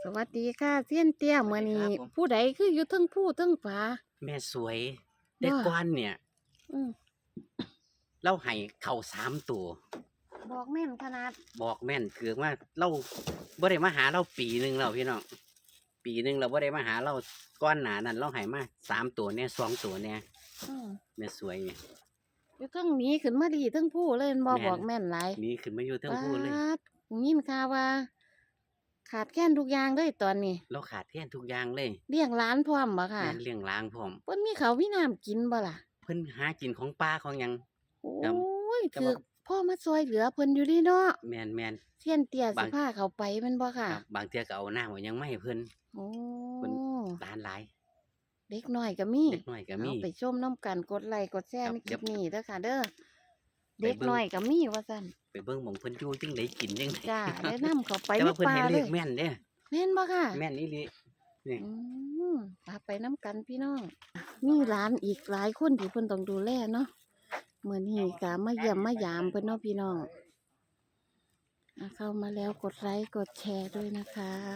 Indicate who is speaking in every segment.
Speaker 1: สวัสดีค่ะเซียนเตี้ยมื้อนี้ผู้ใดคืออยู่เทิงผู้เทิงฝา
Speaker 2: แม่สวยแต่
Speaker 1: บ่
Speaker 2: ก่อนเนี่ย
Speaker 1: อืม
Speaker 2: เราให้เข้า3ตัว
Speaker 1: บอกแม่นขนาด
Speaker 2: บอกแม่นคือว่าเราบ่ได้มาหาเราปีหนึงแล้วพี่น้องปีหนึงเราบ่ได้มาหาเราก่อนหน้านั้นเราให้มา3ตัวเนี่ย2ตัวเนี่ย
Speaker 1: อืม
Speaker 2: แม่สวยเนี่ย
Speaker 1: อยู่เทิงหนีขึ้นมาดีเทิงผู้เลยแม่นบ่บอกแม่นหลาย
Speaker 2: หนี่ขึ้นมาอยู่เทั้งผู้เลย
Speaker 1: ป๊าดยินข่าวว่า ขาดแคลนทุกอย่างเลยตอนนี้
Speaker 2: เราขาดแคลนทุกอย่างเลย
Speaker 1: เลี้ยงหลานพร้อมบ่ค่ะ
Speaker 2: แม่นเลี้ยงล้างพร้อม
Speaker 1: เพิ่นมีข้าวมีน้ำกินบ่ล่ะ
Speaker 2: เพิ่นหากินของป่าของหยัง
Speaker 1: โอ้
Speaker 2: ครับ
Speaker 1: ย
Speaker 2: แต่
Speaker 1: ถือ
Speaker 2: ว่า
Speaker 1: พ่อมาช่วยเหลือเพิ่นอยู่เดิเนาะ
Speaker 2: แม่น
Speaker 1: เซียนเตี้ยสิ
Speaker 2: บาง
Speaker 1: พาเขาไปแม่นบ่ค่ะ
Speaker 2: ครับบางเทื่อก็เอาน้ำเอาหยังมาให้เพิ่น
Speaker 1: โอ้
Speaker 2: เพิ่นหลานหลาย
Speaker 1: เด็กน้อยก็มี
Speaker 2: เด็กน้อยก็มี
Speaker 1: เอาไปชมน้ำกันกดไลค์กดแชร์
Speaker 2: ครับ
Speaker 1: ในคลิปนี้เด้อค่ะเด้อ
Speaker 2: ไป
Speaker 1: เด็ก
Speaker 2: เบิ่ง
Speaker 1: น้อยก็มีว่าซั่น
Speaker 2: ไปเบิ่งหม้องเพิ่นอยู่จังได๋กินจังได๋
Speaker 1: จ้าแนะนำเขาไป
Speaker 2: แต่
Speaker 1: ใน
Speaker 2: ว่าเพิ่น
Speaker 1: ป่า
Speaker 2: ให้
Speaker 1: เล
Speaker 2: เลย ขแม่นเด้
Speaker 1: แม่นบ่ค่ะ
Speaker 2: แม่นอีหลีนี่
Speaker 1: อืมพาไปน้ำกันพี่น้อง มีหลานอีกหลายคนที่เพิ่นต้องดูแลเนาะมื้อนี้ก็มาเยี่ยมมายามเพิ่นเนาะพี่น้องเข้ามาแล้วกดไลค์กดแชร์ด้วยนะคะ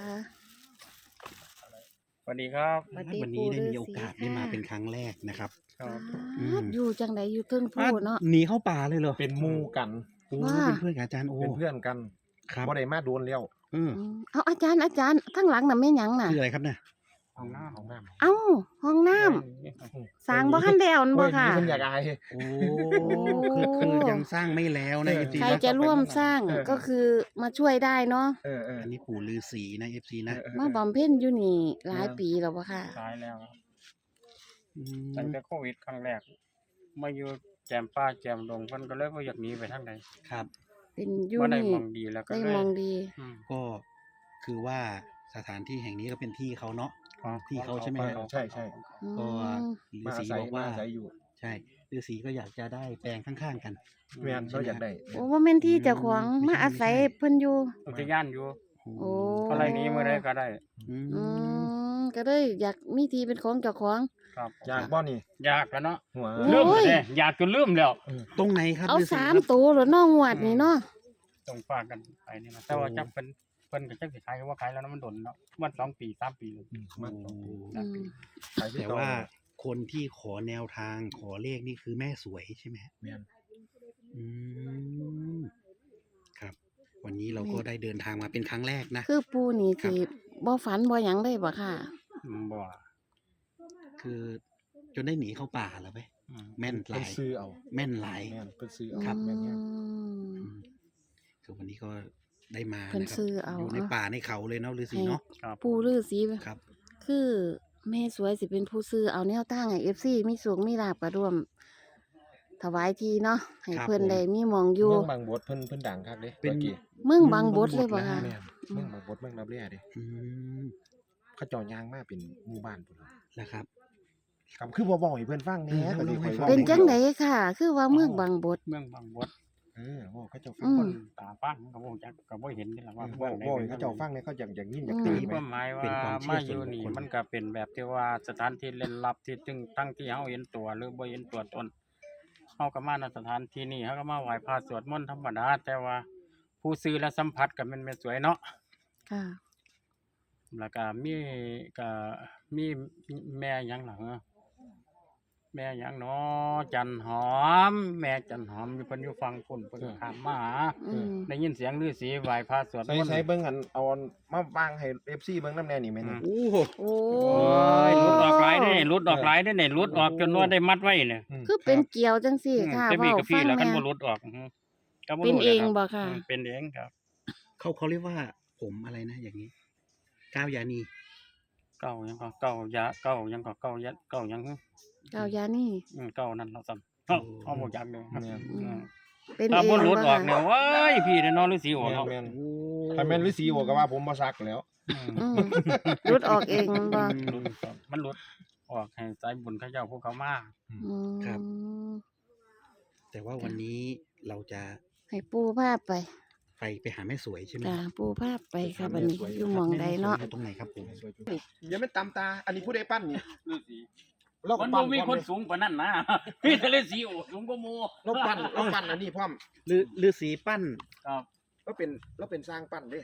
Speaker 3: สวัสดีครับ
Speaker 1: สวัสดี
Speaker 4: วัน
Speaker 1: ปู่
Speaker 4: นี้ได้
Speaker 1: ฤา
Speaker 4: มีโอ
Speaker 1: ษี
Speaker 4: กาสได้มา
Speaker 1: ค่ะ
Speaker 4: เป็นครั้งแรกนะครับ
Speaker 3: ครับ
Speaker 1: อยู่จังไดอยู่เทิงผู้เนาะ
Speaker 4: หนีเข้าป่าเลยเหรอ
Speaker 3: เป็นหมู่กัน
Speaker 4: โอ้
Speaker 1: ว่า
Speaker 4: เป็นเพื่อนกับอาจารย์โอ้
Speaker 3: เป็นเพื่อนกัน
Speaker 4: ครับ
Speaker 3: บ่ได้มาโดนแล้ว
Speaker 4: อืม
Speaker 1: เอาอาจารย์ข้างหลังน่ะแม่นหยังน่ะ
Speaker 4: คืออะไรครับเนี่ย
Speaker 3: ของน้าของน้ำ
Speaker 1: เอ้าห้องน้ำสร้างบ่ทันแล้วนั่นบ่ค่ะ
Speaker 3: เพิ่นอยากอาย
Speaker 4: โอ้คือยังสร้างไม่แล้วนะเอฟซี
Speaker 1: ใคร
Speaker 4: นะ
Speaker 1: จะร่วมสร้างก็คือมาช่วยได้เนาะ
Speaker 4: อันนี้ปู่ฤาษีนะเอฟซีนะ
Speaker 1: มาบำเพ็ญอยู่นี่หลายปีแล้วบ่ค่ะ
Speaker 3: ตายแล้ว
Speaker 4: อืม
Speaker 3: ตั้งแต่โควิดครั้งแรกมาอยู่แจมป่าแจมดงเพิ่นก็เลยบ่อยากหนีไปทางใด
Speaker 4: ครับ
Speaker 1: เป็นอยู่
Speaker 3: บ่ได้
Speaker 1: นี่
Speaker 3: มองดีแล้วก็
Speaker 1: ได้
Speaker 3: เลย
Speaker 1: มองดี
Speaker 3: อืม
Speaker 4: ก็คือว่าสถานที่แห่งนี้ก็เป็นที่เขาเนาะ
Speaker 3: ของ
Speaker 4: ที่เขาใช่ไหมฮะ
Speaker 3: ใช่ใช่
Speaker 1: อื
Speaker 4: ก็
Speaker 1: ม
Speaker 4: ฤาษีบอกว่า
Speaker 3: อาศัยอยู่
Speaker 4: ใช่ฤาษีก็อยากจะได้แปลงข้างๆกัน
Speaker 3: แม่นเขาอยากได้
Speaker 1: โอ้ว่าแม่นที่เจ้าของ
Speaker 4: ไม่
Speaker 1: มา
Speaker 4: ใช่
Speaker 1: อาศัย
Speaker 4: ไม่ใช่
Speaker 1: เพิ่นอยู่
Speaker 3: อุทยานอยู่
Speaker 1: โอ้
Speaker 3: อะไรหนี้มื้อใดก็ได้
Speaker 4: อืม
Speaker 1: อืมก็เลยอยากมีที่เป็นของเจ้าของ
Speaker 3: ครับอยากบ่นี่อยากแล้วเนาะ
Speaker 1: โอ้
Speaker 3: ลืม
Speaker 1: ย
Speaker 3: เลยอยากจนลืมแล้ว
Speaker 4: ตรงไหนครับ
Speaker 1: เอา
Speaker 4: ฤาษี
Speaker 1: สาม
Speaker 4: ครับ
Speaker 1: ตัวแล้วน้องงวดนี่เนาะ
Speaker 3: ต้องฝากกันไปนี่นะแต่ว่าจักเพิ่นก็จักสิขายก็ว่าขายแล้วนะมันดนเนาะมัน2 ปี3 ปีเลย
Speaker 4: มัน
Speaker 1: อืม
Speaker 4: แต่ว่าคนที่ขอแนวทางขอเลขนี่คือแม่สวยใช่ไหมฮะ
Speaker 3: แม่น
Speaker 4: อืมครับ วันนี้เราก็ได้เดินทางมาเป็นครั้งแรกนะ
Speaker 1: คือปู่นี่
Speaker 4: ครับ
Speaker 1: สิบ่ฝันบ่หยังเลยบ่ค่ะ
Speaker 3: บ่
Speaker 4: คือจนได้หนีเข้าป่าแล้วไป
Speaker 3: อืม
Speaker 4: แม่นห
Speaker 3: เพิ่
Speaker 4: ลาน ย
Speaker 3: ซื้อเอา
Speaker 4: แม่นหลาย
Speaker 3: แม่นเพิ่นซื้อ
Speaker 1: อื
Speaker 3: เอาครับแม่นเนี่ย
Speaker 1: ม
Speaker 4: อืมคือวันนี้ก็ได้มา
Speaker 1: เพิ่น
Speaker 4: นะครับ
Speaker 1: ซื้อเอา
Speaker 4: อยู่ในป่าในเขาเลยเนาะฤาษีเนาะ
Speaker 3: ครับ
Speaker 1: ปู่ฤาษี
Speaker 4: ครับ
Speaker 1: คือแม่สวยสิเป็นผู้ซื้อเอาแนวตั้งให้ FC มีสูงมีลาบก็ร่วม ถวายทีเนาะให้เพิ่นได้มีหมองอยู่
Speaker 3: เมืองบางบดเพิ่นดังคักเด้
Speaker 4: เป็น
Speaker 3: มื่อกี้
Speaker 1: เมืองบางบดเลยบ่ค่ะ
Speaker 3: แม่นเมืองบางบดเมืองรับแร่เด้
Speaker 4: อืม
Speaker 3: เขาเจ้าย่างมาเป็นหมู่บ้านพุ่น
Speaker 4: นะครับ
Speaker 3: ครับคือบ่บอกให้เพิ่นฟังแหน่ก็สิค่อยว้า
Speaker 1: เป็นจังไดค่ะ คือว่าเมืองบางบด
Speaker 3: เมืองบางบดว่าเขาเจ้าฟั
Speaker 1: อื
Speaker 3: ง
Speaker 1: ม
Speaker 3: คนตาฟังก็บ่จักก็บ่เห็นนี่ล่ะว่า
Speaker 4: ว่า
Speaker 3: บ่ให้เขาเจ้าฟังเนี่ยเขาอยากยินอยาก
Speaker 1: อื
Speaker 3: ตื่
Speaker 1: ม
Speaker 3: น
Speaker 1: มี
Speaker 3: ความหมายว่ามาอยู่นี่มันก็เป็นแบบที่ว่าสถานที่เล่นลับที่ทั้งที่เฮาเห็นตัวหรือบ่เห็นตัวตนเฮาก็มาณสถานที่นี้เฮาก็มาไหว้พระสวดมนต์ธรรมดาแต่ว่าผู้ซื้อและสัมผัสก็แม่นสวยเนาะ
Speaker 1: ค่ะ
Speaker 3: แล้วก็มีแม่หยังล่ะเหรอแม่หยังเนาะจันหอม แม่จันหอมอยู่เพิ่นอยู่ฟังพุ่นเพิ่นก็ข้ามมาหา
Speaker 1: อืม
Speaker 3: ได้ยินเสียงฤาษีไหว้พระสวดมนต์
Speaker 5: ใช้เบิ่งอันเอาอันมาวางให้ FC เบิ่งนำแน่นี่แม่น
Speaker 4: โอ้โห
Speaker 1: โอ้
Speaker 3: โอ้ยหลุดออกหลายเด้หลุดออกหลายเด้เนี่ยหลุดออกจนว่าได้มัดไว้เนี่ย
Speaker 1: คือเป็นเกี่ยวจังซี่ค่ะ
Speaker 3: จะมี
Speaker 1: เว้า
Speaker 3: กับ
Speaker 1: ฟั
Speaker 3: พี่
Speaker 1: ง
Speaker 3: แล้วกัน
Speaker 1: แม่
Speaker 3: บ่หลุดออกก็บ่
Speaker 1: เป็น
Speaker 3: รู้
Speaker 1: เอง
Speaker 3: แหละ
Speaker 1: บ่
Speaker 3: ค
Speaker 1: ค่ะ
Speaker 3: รับเป็นเองครับ
Speaker 4: เขาเรียกว่าผมอะไรนะอย่างนี้ก้าวยานี
Speaker 3: เก่ายังก็เก่ายาเก่ายังก็เก่ายะเก่ายัง
Speaker 1: ก้าวยานี่
Speaker 3: เก่านั่นเราซ้ำเอาบ่จักเลย
Speaker 5: แม่น
Speaker 1: อืมเป็น
Speaker 3: ถ้า
Speaker 1: เอง
Speaker 3: บ่หลุดออก
Speaker 1: บ่
Speaker 3: เนี่ย
Speaker 1: ค่ะ
Speaker 3: ว้ายพี่ได้นอนฤาษีออก
Speaker 5: แม่น
Speaker 3: เนาะ
Speaker 5: แม่น
Speaker 4: โอ้
Speaker 5: ถ้าแม่นฤาษีบอกก็ว่าผมบ่ซักแล้ว
Speaker 1: อืมหลุดออกเองบ่
Speaker 3: หลุดออกมันหลุดออกให้ใจบุญเขาเจ้าพวกเขามา
Speaker 1: อืม
Speaker 4: แต่ว่าวันนี้เราจะ
Speaker 1: ให้ปู่พาไป
Speaker 4: ไปหาแม่สวยใช่ไหม
Speaker 1: จ้าปู่พาไปค่ะบัดนี้อยู่หม่องใดเนาะ
Speaker 4: แม่สวยอยู่ตรงไหนครับผม
Speaker 5: อย่าไม่ตามตา อันนี้ผู้ใดปั้นนี่
Speaker 3: ฤาษี
Speaker 5: เรา
Speaker 3: มัน
Speaker 5: ปั้
Speaker 3: บ่มีคนสูงกว่านั้นนะ มีแต่ฤาษีโอ้สูงกว่าหมู่
Speaker 5: เราปั้นอันนี้พร้อม
Speaker 4: ฤาษีปั้น
Speaker 3: ครับ
Speaker 5: เราเป็นสร้างปั้นเด้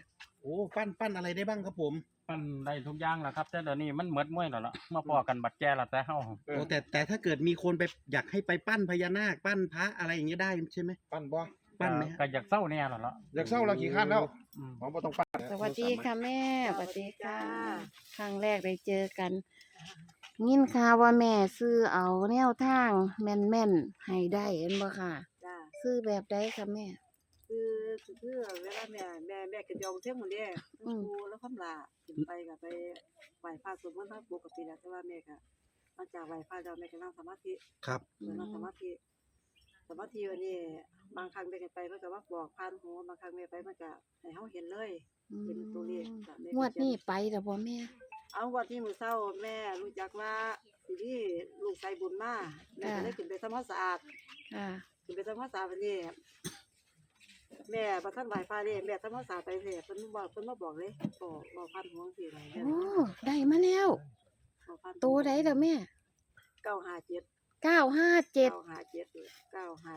Speaker 4: โอ้ปั้นอะไรได้บ้างครับผม
Speaker 3: มันได้ทุกอย่างแหละครับแต่เดี๋ยวนี้มันหมดม้วยแล้วล่ะมาพอกันบัดแก่ละแต่เฮา
Speaker 4: โอ้แต่ถ้าเกิดมีคนไปอยากให้ไปปั้นพญานาคปั้นพระอะไรอย่างเงี้ยได้ใช่ไหม
Speaker 5: ปั้นบ่
Speaker 4: ปั้นไหม
Speaker 3: ก็อยากเศร้าแน่แล้วล่ะ
Speaker 5: อยากเศร้าเราขี้ข้านแล้ว
Speaker 3: อืม
Speaker 5: ผมบ่ต้องปั้น
Speaker 1: สวัสดีค่ะแม่สวัสดีค่ะครั้งแรกได้เจอกันยินข่าวว่าแม่ซื้อเอาแนวทางแม่นๆให้ได้เห็นบ่ค่ะ
Speaker 6: จ้า
Speaker 1: ซื้อแบบใดคะแม่
Speaker 6: คือเวลาแม่กินยองเที่ยงหมดเนี่ย
Speaker 1: อืม
Speaker 6: ครูแล้วคำลาขึ้นไปก็ไปไหว้พระสวดมนต์พระปกติแล้วแต่ว่าแม่ก็หลังจากไหว้พระแล้วแม่ก็นั่งสมาธิ
Speaker 4: ครับ
Speaker 6: นั่งสมาธิวันนี้บางครั้งแม่ก็ไปมันก็ว่าบอกผ่านหูบางครั้งแม่ไปมันก็ให้เฮาเห็นเลย เป็นตัวเลขจ้ะแม่ก็
Speaker 1: งวดนี้ไปแล้วบ่แม่
Speaker 6: เอาวันที่มื้อเช้าแม่รู้จักว่าสิมีลูกชายบุญมาแม่ก็เลยขึ้นไปทำความสะอาด
Speaker 1: ค่ะ
Speaker 6: ขึ้นไปทำความสะอาดวันนี้แม่บ่ทันไหว้พระเด้แม่ทำความสะอาดไปเด้เพิ่นมาบอกเลยบอกผ่านหูจังซี่เลยแม่
Speaker 1: โอ้ได้มาแล้ว
Speaker 6: บอกผ่านหู
Speaker 1: ตัวใดเด้อแม่
Speaker 6: 957
Speaker 1: 957
Speaker 6: 957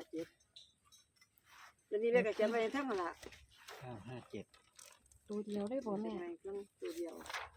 Speaker 6: เดี๋ยวนี้แม่ก็เขียนไว้ในทั้งนั่นล่ะ
Speaker 4: 957
Speaker 1: ตัวเดียวได้บ่แม่
Speaker 6: เขียนไว้เครื่องตัวเดียว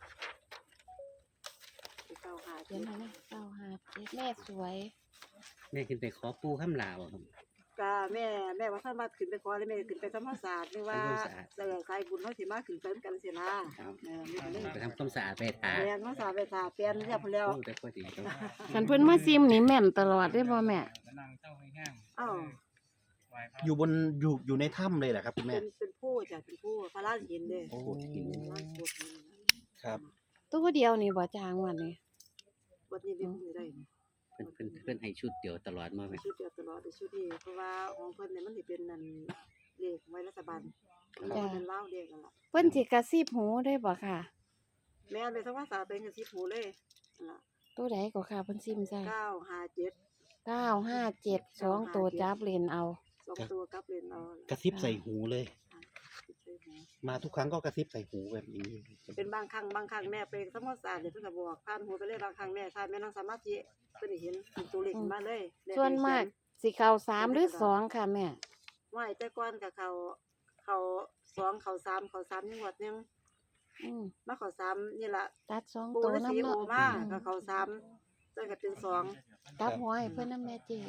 Speaker 1: เขียน
Speaker 6: 957
Speaker 1: มาเลย957แม่สวย
Speaker 2: แม่ขึ้นไปขอปูข้ามลาวครับ
Speaker 6: ก็แม่ว่าท่านมาขึ้นไปขอเลยแม่ขึ้นไปทำความสะอาดนึกว่า
Speaker 2: ทำความสะอาด
Speaker 6: สายบุญเฮาสิมาขึ้นไปกันสินะครับ แม่ก็เลย
Speaker 2: ไปทำความสะอาดไปทา
Speaker 6: แม่นมาสะอาดไปทาเปลี่ยนเรียบร้อยแล้ว
Speaker 2: โอ้แต่พอดีครับ
Speaker 1: คันเพิ่นมาซิมนี่แม่นตลอดได้บ่แม่
Speaker 3: นั่งเจ้าแห้ง
Speaker 6: อ้าว
Speaker 3: ไหว้พระ
Speaker 4: อยู่ในถ้ำเลยเหรอครับคุณแม่
Speaker 6: เป็นผู้จ้ะเป็นผู้พระราชหินเด้
Speaker 4: โอ้
Speaker 6: พระราชหิน
Speaker 4: ครับ
Speaker 1: ตัวเดียวนี่บ่จางวันนี้
Speaker 6: วันนี้เป็นผู้ได้นี่
Speaker 2: เพิ่นให้ชุดเดียวตลอดมาแม่
Speaker 6: ชุดเดียวตลอดชุดนี้เพราะว่าของเพิ่นเนี่ยมันสิเป็นนั่นเลขไว้รัฐบาลมันเป็นลาวเลขนั่นล่ะ
Speaker 1: เพิ่นสิกระซิบหูได้บ่ค่ะ
Speaker 6: แม่นไปทำความสะอาดเป็นกันสิผูเลยนั่นล่ะ
Speaker 1: ตัวใดก็ค่ะเพิ่นซิมใส่
Speaker 6: 957
Speaker 1: 957 2ตัวจับเลนเอา
Speaker 6: 2ตัวกับเลนเอา
Speaker 4: กระซิบใส่หูเลย
Speaker 6: ใส่หู
Speaker 4: มาทุกครั้งก็กระซิบใส่หูแบบนี้
Speaker 6: เป็นบางครั้งแม่ไปทำความสะอาดเนี่ยเพิ่นก็บอกผ่านหูไปเลยบางครั้งแม่ถ้าแม่นั่งสมาธิเพิ่นสิเห็นเป็นตัวเลขขึ้นมาเลยแม่
Speaker 1: ส่วนมากสิเข้า3หรือ2ค่ะแม่
Speaker 6: ว่าแต่ก่อนก็เขา2เขา3จังหวัดนึง
Speaker 1: อืม
Speaker 6: มาเขา3นี่ล่ะ
Speaker 1: ตัด2
Speaker 6: ปู
Speaker 1: ตัว
Speaker 6: ฤาษี
Speaker 1: นำ
Speaker 6: โอ
Speaker 1: เนาะ
Speaker 6: มาก็เขา3จนก็เป็น2
Speaker 1: กลับหัวให้เพิ่นนำแม่เจ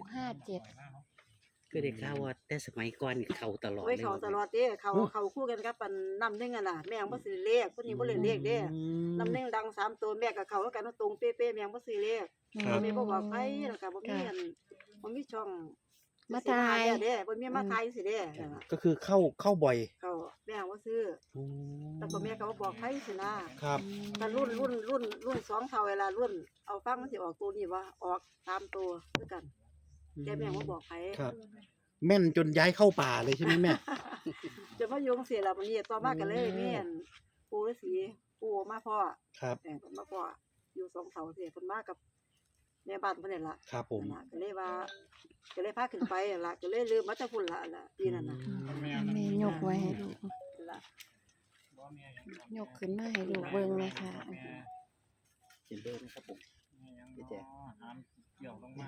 Speaker 1: 657
Speaker 2: ก็ได้ข่าวว่าแต่สมัยก่อนนี่เข้าตลอด
Speaker 6: โอ้ย
Speaker 2: เลย
Speaker 6: เขาตลอดเด้เขาคู่กันกับปันน้ำหนึงอ่ะล่ะแม่งบ่ซื้อเลขเพิ่นนี่บ่เล่นเลขเด้น้ำหนึงดัง3ตัวแม่ก็เข้ากันตรงเป๊ะๆแม่งบ่ซื้อเลข
Speaker 1: ครับ
Speaker 6: แม่บ่บอกไผแล้วก็บ่มีอันบ่มีช่อง
Speaker 1: มาทาย
Speaker 6: เด้บ่มีมาทายสิเด้นั่นล่ะ
Speaker 4: ก็คือเข้าบ่อย
Speaker 6: เขาแม่งบ่ซื้อแต่ก็แม่ก็บ่บอกไผสินะครับ แต่รุ่น2เท่าเวลารุ่นเอาฟังมันสิออกตัวนี้บ่ออก3ตัวคือกันแต่แม่งบ่บอกไผ
Speaker 4: ครับ แม่นจนย้ายเข้าป่าเลยใช่ไหมแม่
Speaker 6: จะมาโยงเสียแล้ววันนี้ต่อมากันเลยแม่นปู่ฤาษีปู่มาพ่อ
Speaker 4: ครับ
Speaker 6: เพิ่นมาพ่ออยู่2เสาเสียเพิ่นมากับแม่บ้านเพิ่นนี่ล่ะ
Speaker 4: ครับผม
Speaker 6: นั่นล่ะก็เลยว่าก็เลยพาขึ้นไปนั่นล่ะก็เลยลืมมาแต่พุ่นล่ะปีนั้นน่ะ
Speaker 1: แม่ยกไว้ให้ลูก
Speaker 6: นั่นล่ะ
Speaker 1: ยกขึ้นมาให้ลูกเบิ่งเลยค่ะ
Speaker 4: เห็นเลยนะครับผม
Speaker 3: เกี่ยวลงมา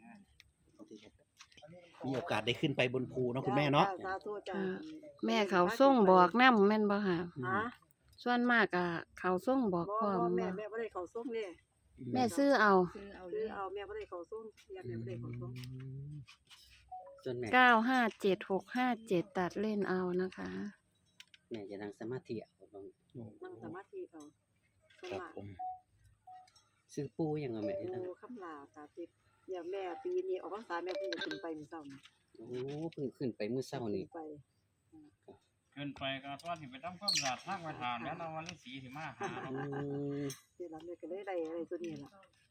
Speaker 4: มีโอกาสได้ขึ้นไปบนภูเนาะคุณแม่เนาะ
Speaker 6: สาธุจ้า
Speaker 1: แม่เขาส่งบอกนำแม่นบ่ค่ะ
Speaker 6: ฮะ
Speaker 1: ส่วนมากอ่ะเขาส่งบอกพร้อม
Speaker 6: แม่
Speaker 1: บ่
Speaker 6: บ่ได้เข้าส่งเด้
Speaker 1: แม่ซื้อเอา
Speaker 6: คือเอาแม่บ่ได้เข้าส่งแม่บ่ได้เข้าส่ง
Speaker 2: ส่วนแม่
Speaker 1: 957 657 ตัดเล่นเอานะคะ
Speaker 2: แม่จะนั่งสมาธิเอาบาง
Speaker 6: นั่งสมาธิเอาส
Speaker 4: ครับ
Speaker 6: มาธิ
Speaker 4: ผม
Speaker 2: ซื้อปูยังเอาแม่จะนั่ง
Speaker 6: โอ้คำลาสาธิตอย่างแม่ปีนี้ออกพรรษาแม่เพิ่งจะขึ้นไปมื้อเช้านี่
Speaker 2: โอ้เพิ่งขึ้นไปมื้อเช้านี่
Speaker 6: ไป
Speaker 3: ขึ้นไปก็ตอนที่ไปทำความสะอาดทางไว้ทานแล้วเราวันฤาษีสิมาหาเรา
Speaker 2: อืม
Speaker 6: เดี๋ยวเราเนี่ยก็เลยได้อะไรตัวนี้ล่ะ